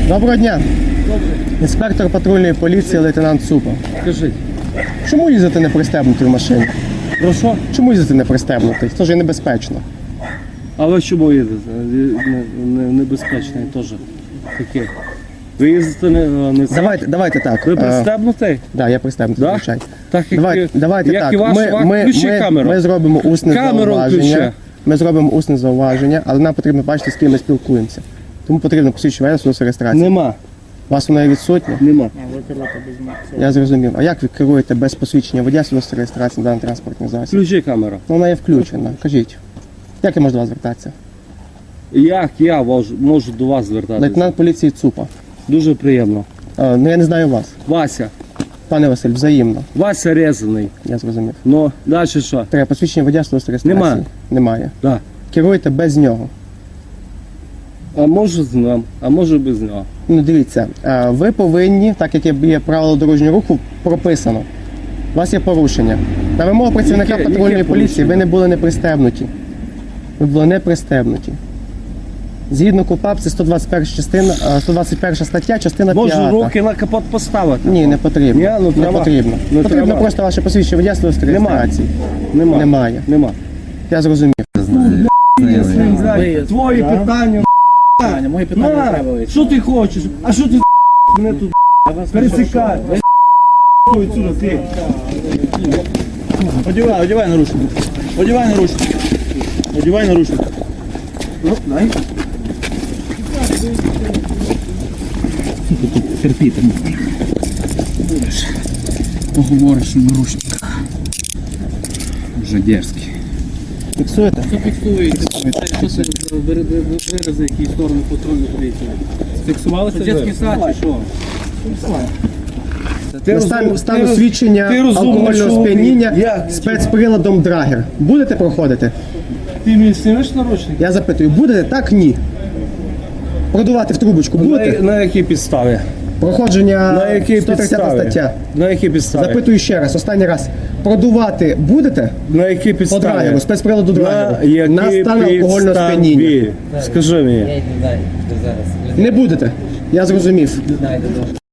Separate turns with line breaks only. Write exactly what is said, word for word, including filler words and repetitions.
Доброго дня. Інспектор патрульної поліції лейтенант Цупа.
Скажіть.
Чому їздити не пристебнутий в машині?
Про що?
Чому їздити не пристебнутий? Це ж і небезпечно.
А ви чому їдете? Не, не, небезпечний теж таке. Ви їздите не, не це?
Давайте, давайте так.
Ви
е,
пристебнутий?
Да, я пристебнутий,
Да?
звичайно.
Так, як,
Давайте, давайте
як
так.
і ваш,
Ми,
ваш,
ми,
включи
ми,
камеру.
ми зробимо усне
Камеру
зауваження.
включи.
Ми зробимо усне зауваження, але нам потрібно бачити, з ким ми спілкуємося. Тому потрібно посвідчення водія свідоцтво реєстрації.
Нема.
У вас воно є відсутнє?
Нема.
Я зрозумів. А як ви керуєте без посвідчення водія свідоцтва реєстрації на даний транспортний засіб?
Включи камеру.
Ну, вона є включена. Кажіть. Як я можу до вас звертатися?
Як я можу, можу до вас звертатися?
Лейтенант поліції Цупа.
Дуже приємно.
Е, ну я не знаю вас.
Вася.
Пане Василь, взаємно.
Вася резаний.
Я зрозумів.
Ну, далі що?
Треба посвідчення водія свідоцтва реєстрації.
Немає.
Немає.
Да.
Керуєте без нього.
А може з ним, а може без нього.
Ну дивіться, е, ви повинні, так як є правило дорожнього руху, прописано. У вас є порушення. На вимогу працівника
Яке-
патрульної
яке
поліції
порушення?
ви не були не пристебнуті. Ви були не пристебнуті. Згідно КУПАП, це сто двадцять перша частина, е, сто двадцять перша стаття, частина
Можу
п'ята.
руки на капот поставити?
Ні, не потрібно.
Ні, ну,
не
треба.
потрібно.
Ну,
потрібно
треба.
просто ваше посвідчення водія свідоцтва
Немає.
реєстрації.
Нема.
Немає.
Нема.
Я зрозумів.
Твої питання.
Аня, мої питання не треба
На,
вирішити.
що ти хочеш? А що ти мене тут пересікаєш? Отсюда ти.
Одевай, одевай наручники. Одевай наручники. Одевай наручники.
Ну, дай.
Терпіти. Будеш. Поговориш на наручниках. Вже дерзкий.
Фіксуєте?
Що фіксуєте? Що це вирази, які сторони патрульної поліції?
Фіксували
Це дитячий сад чи що?
Ти
Стан,
розум-
стану
ти роз-
свідчення
ти розумний
алкогольного
чоловік.
сп'яніння
Як?
спецприладом Драгер. Будете проходити?
Ти мені знімеш наручники?
Я запитую, будете? Так, ні. Продувати в трубочку
На,
будете?
на якій підставі?
Проходження
На якій
сто тридцята
підставі?
стаття.
На якій підставі?
Запитую ще раз, останній раз. Продувати будете?
На якій
По
підставі?
драгеру, спецприладу
На
Драгеру.
якій
На стан алкогольного сп'яніння.
підставі? Скажи мені.
Я не знаю, зараз.
Не будете? Я зрозумів.
Знайду.